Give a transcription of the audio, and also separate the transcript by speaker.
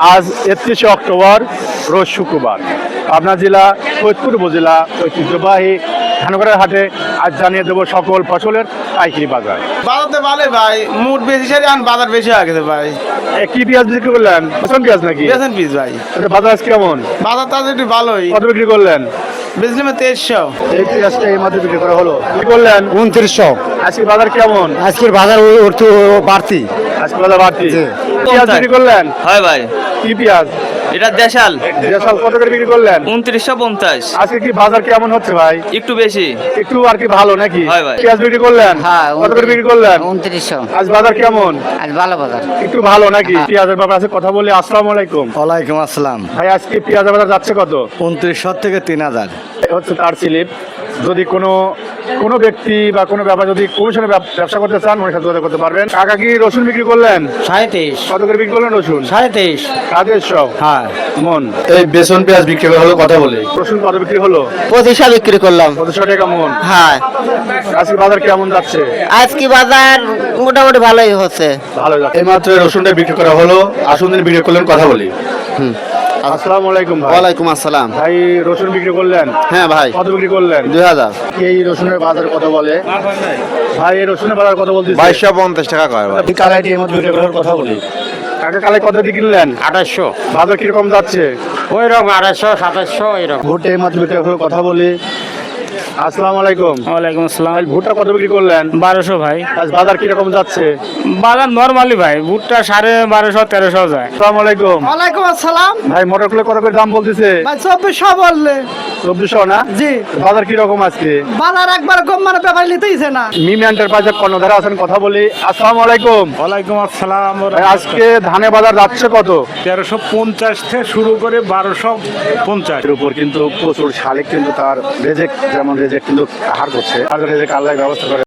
Speaker 1: আজ 31 অক্টোবর রোজ শুক্রবার পাবনা জেলা ফরিদপুর উপজেলা ঐতিহ্যবাহী ধানগড়ের হাটে আজ জানিয়ে দেবো সকল ফসলের পাইকারি বাজার।
Speaker 2: বাজার তো ভালো ভাই, মুড বেশি সারি আন বাজার বেশি হয়ে গেছে ভাই।
Speaker 1: কি পেঁয়াজ বিক্রি করলেন? পছন্দ পেঁয়াজ নাকি?
Speaker 2: বেছেন পিস ভাই,
Speaker 1: এটা বাজার আজ কেমন?
Speaker 2: বাজার তো একটু ভালোই।
Speaker 1: কত বিক্রি করলেন?
Speaker 2: বেচলাম 2300।
Speaker 1: এই পেঁয়াজটা এই মাত্র বিক্রি করা হলো। কি করলেন?
Speaker 3: 2900।
Speaker 1: আজকে বাজার কেমন?
Speaker 3: আজকের বাজার একটু বাড়তি।
Speaker 1: আজকে বাজার বাড়তি। পেঁয়াজ বিক্রি করলেন?
Speaker 4: হয় ভাই,
Speaker 1: কি পেঁয়াজ?
Speaker 4: এটা দেশাল
Speaker 1: দেশাল কত করে বিক্রি করলেন?
Speaker 4: 2950।
Speaker 1: আজকে কি বাজার কেমন হচ্ছে ভাই?
Speaker 4: একটু বেশি।
Speaker 1: একটু আর কি ভালো নাকি?
Speaker 4: হয় ভাই।
Speaker 1: পেঁয়াজ বিক্রি করলেন?
Speaker 5: হ্যাঁ,
Speaker 1: কত করে বিক্রি করলেন?
Speaker 5: 2900।
Speaker 1: আজ বাজার কেমন?
Speaker 5: আজ ভালো বাজার।
Speaker 1: একটু ভালো নাকি? পেঁয়াজের ব্যাপারে আছে কথা বলি। আসসালামু আলাইকুম
Speaker 3: ওয়ালাইকুম আসসালাম।
Speaker 1: ভাই, আজকে পেঁয়াজের বাজার যাচ্ছে কত?
Speaker 3: 2900 থেকে 3000।
Speaker 1: হচ্ছে তার স্লিপ। যদি কোনো ব্যক্তি বা কোনো ব্যাপার যদি কমিশনে ব্যবসা করতে চান ওনার সাথে যোগাযোগ করতে পারবেন। কাকা কি রসুন বিক্রি করলেন?
Speaker 3: 27।
Speaker 1: কত করে বিক্রি করলেন রসুন?
Speaker 3: 27।
Speaker 1: কাদের সব
Speaker 3: হ্যাঁ।
Speaker 1: মন এই বেসন পেঁয়াজ বিক্রি হলো কথা বলে। রসুন কত বিক্রি হলো?
Speaker 5: 2500 বিক্রি করলাম।
Speaker 1: 200 টাকা মন।
Speaker 5: হ্যাঁ,
Speaker 1: আজকে বাজার কেমন যাচ্ছে?
Speaker 5: আজকে বাজার মোটামুটি ভালোই হচ্ছে।
Speaker 1: ভালো যাচ্ছে। এইমাত্র রসুনটা বিক্রি করা হলো। আসুন দিন বিক্রি করলেন কথা বলি। আসসালামু আলাইকুম ভাই।
Speaker 3: ওয়ালাইকুম আসসালাম।
Speaker 1: ভাই রসুন বিক্রি করলেন?
Speaker 3: হ্যাঁ ভাই,
Speaker 1: কত বিক্রি করলেন?
Speaker 3: 2000।
Speaker 1: এই রসুনের বাজার কত বলে? ভাই এই রসুনের বাজার কত বলতেছে?
Speaker 3: 2250 টাকা কয় ভাই।
Speaker 1: কালাইটি এই মধ্যে বিক্রি করার কথা বলি। কাকা কালাই কত দিয়ে কিনলেন?
Speaker 3: 2800।
Speaker 1: বাজার কিরকম যাচ্ছে?
Speaker 3: ওই রকম 2800 2700 এরকম।
Speaker 1: ভুট্টা এই মাত্র বিক্রি করার কথা বলি। আসসালামু আলাইকুম।
Speaker 6: ওয়ালাইকুম আসসালাম।
Speaker 1: ভাই ভুট্টা কত বিক্রি করলেন?
Speaker 6: 1200 ভাই।
Speaker 1: আজ বাজার কিরকম যাচ্ছে?
Speaker 6: বাজার নরমালি ভাই, ভুট্টা 1250 1300 যায়।
Speaker 1: আসসালামু আলাইকুম।
Speaker 2: ওয়ালাইকুম আসসালাম
Speaker 1: ভাই মটর কত করে দাম বলতেছে?
Speaker 2: ভাই, 2400 বললে
Speaker 1: 2400 না?
Speaker 2: জি।
Speaker 1: বাজার কিরকম আজকে?
Speaker 2: বাজার একবার কম মানে ব্যাপার নিতেইছে না।
Speaker 1: মিমি এন্টারপ্রাইজের কর্ণধারে আছেন কথা বলি। আসসালামু আলাইকুম।
Speaker 6: ওয়ালাইকুম আসসালাম।
Speaker 1: ভাই আজকে ধানে বাজার যাচ্ছে কত?
Speaker 6: 1350 থেকে শুরু করে 1250।
Speaker 1: এর উপর কিন্তু প্রচুর শালিক কিন্তু তার রেজেক্ট যেমন রেজেক্ট কিন্তু হার করছে। আর রেজেক্ট আল্লাহ ব্যবস্থা করে।